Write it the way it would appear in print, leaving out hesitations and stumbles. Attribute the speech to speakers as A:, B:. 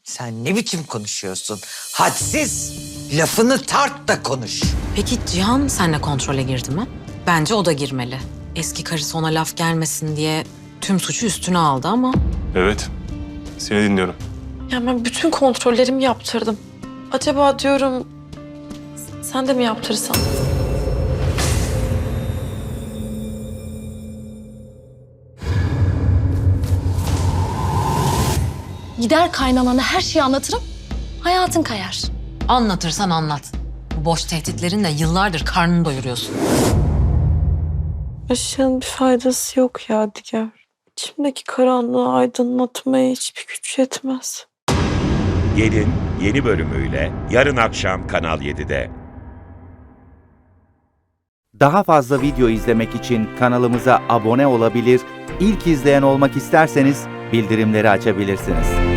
A: Sen ne biçim konuşuyorsun? Hadsiz. Lafını tart da konuş.
B: Peki Cihan seninle kontrole girdi mi? Bence o da girmeli. Eski karısı ona laf gelmesin diye tüm suçu üstüne aldı ama...
C: Evet. Seni dinliyorum.
D: Ya ben bütün kontrollerimi yaptırdım. Acaba diyorum sen de mi yaptırsan?
E: Gider kaynanana her şeyi anlatırım, hayatın kayar.
B: Anlatırsan anlat. Bu boş tehditlerinle yıllardır karnını doyuruyorsun.
D: Aşığın bir faydası yok ya Diger. İçimdeki karanlığı aydınlatmaya hiçbir güç yetmez.
F: Gelin yeni bölümüyle yarın akşam Kanal 7'de.
G: Daha fazla video izlemek için kanalımıza abone olabilir, ilk izleyen olmak isterseniz bildirimleri açabilirsiniz.